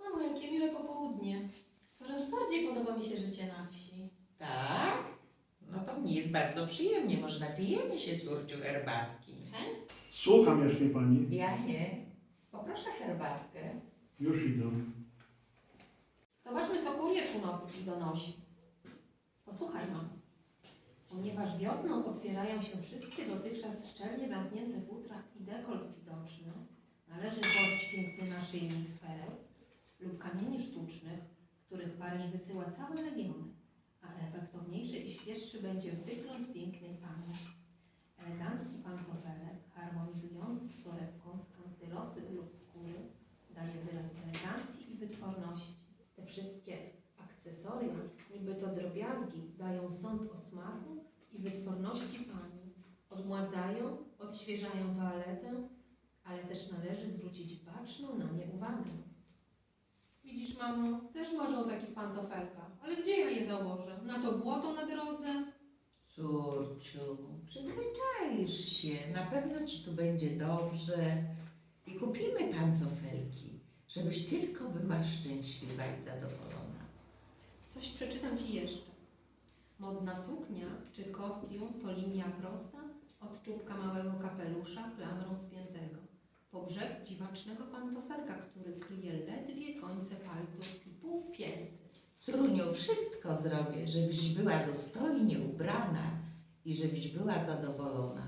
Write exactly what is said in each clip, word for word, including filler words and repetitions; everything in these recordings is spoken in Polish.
Mamo, jakie miłe popołudnie. Coraz bardziej podoba mi się życie na wsi. Tak? No to mnie jest bardzo przyjemnie. Może napijemy się, córciu, herbatki. Chęt? Słucham jaśnie pani. Ja nie. Poproszę herbatkę. Już idę. Zobaczmy, co kurier Kunowski donosi. Posłuchaj, mamo. Ponieważ wiosną otwierają się wszystkie dotychczas szczelnie zamknięte futra i dekolt widoczny, należy włożyć piękny naszyjnik z pereł lub kamieni sztucznych, których Paryż wysyła całe legiony, a efektowniejszy i świeższy będzie wygląd pięknej pani. Elegancki pantofelek, harmonizujący z torebką z kantylopy lub skóry, daje wyraz elegancji i wytworności. Te wszystkie akcesoria, niby to drobiazgi, dają sąd o smaku i wytworności pani. Odmładzają, odświeżają toaletę, ale też należy zwrócić baczną na nie uwagę. Widzisz, mamo, też marzę o takich pantofelkach, ale gdzie ja je założę? Na to błoto na drodze? Córciu, przyzwyczaisz się. Na pewno ci tu będzie dobrze. I kupimy pantofelki, żebyś tylko była szczęśliwa i zadowolona. Coś przeczytam ci jeszcze. Modna suknia czy kostium to linia prosta od czubka małego kapelusza klamrą spiętego, po brzeg dziwacznego pantofelka, który kryje ledwie końce palców i pół pięty. Córuniu, wszystko zrobię, żebyś była dostojnie ubrana i żebyś była zadowolona.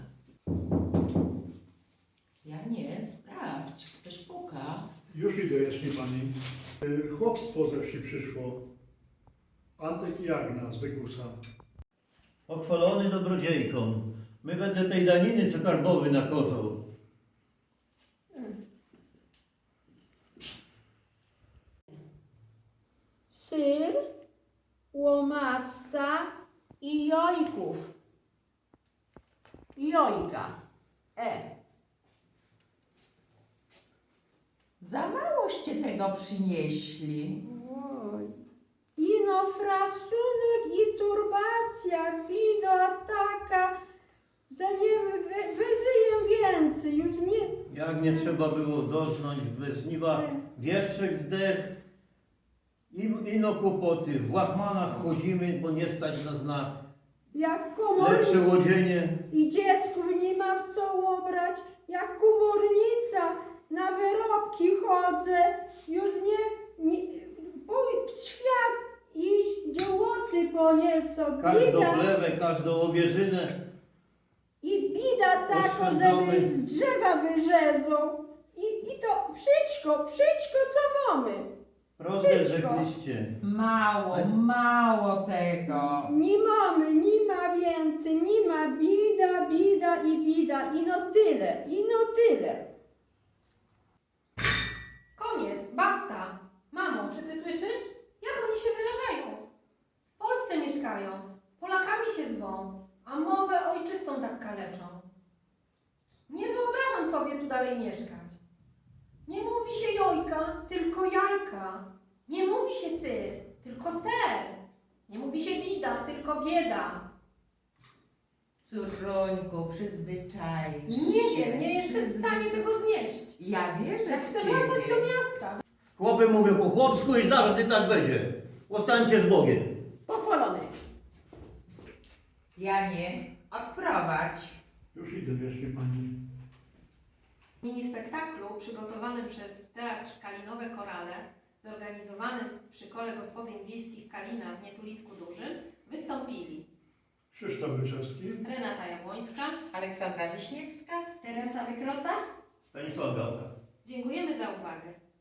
Ja nie, sprawdź, ktoś puka. Już idę jaśnie pani. Y, Chłopstwo ze wsi przyszło. Antek i Agna z Wykusa. Pochwalony dobrodziejką, my wedle tej daniny co karbowy nakazał. Syr, łomasta i jojków. Jojka. E. Za małoście tego przynieśli. Oj. Ino frasunek i turbacja, bida taka. Za nie wy, wyzyję więcej, już nie. Jak nie trzeba było doznać bez żniwa, wietrzek zdech, i- ino kłopoty, w łachmanach chodzimy, bo nie stać nas na Jak lepsze komornica łodzienie. i dziecków nie ma w co ubrać, jak komornica na wyrobki chodzę, już nie, nie pój w świat iść, dziełocy poniesą, Każdą bida plewę, każdą obieżynę. i bida taką, Oszczędzamy. żeby z drzewa wyrzezą i, i to wszystko, wszystko co mamy. Proste Wszystko. rzekliście. Mało, mało tego. Nie mamy, nie ma więcej, nie ma bida, bida i bida, i no tyle, i no tyle. Koniec, basta! Mamo, czy ty słyszysz? Jak oni się wyrażają? W Polsce mieszkają, Polakami się zwą, a mowę ojczystą tak kaleczą. Nie wyobrażam sobie tu dalej mieszkać. Nie mówi się jojka, tylko jajka. Nie mówi się syr, tylko ser. Nie mówi się bida, tylko bieda. Córuńku, przyzwyczaj Nie się. wiem, nie jestem w stanie tego znieść. Ja wierzę Ja w chcę ciebie. wracać do miasta. Chłopy mówią po chłopsku i zawsze tak będzie. Ostańcie z Bogiem. Pochwalony. Ja nie. Odprowadź. Już idę jaśnie pani. Mini spektaklu przygotowanym przez Teatr Kalinowe Korale, zorganizowanym przy Kole Gospodyń Wiejskich Kalina w Nietulisku Dużym, wystąpili Krzysztof Wyczewski. Renata Jabłońska. Aleksandra Wiśniewska. Teresa Wykrota. Stanisław Gałka. Dziękujemy za uwagę.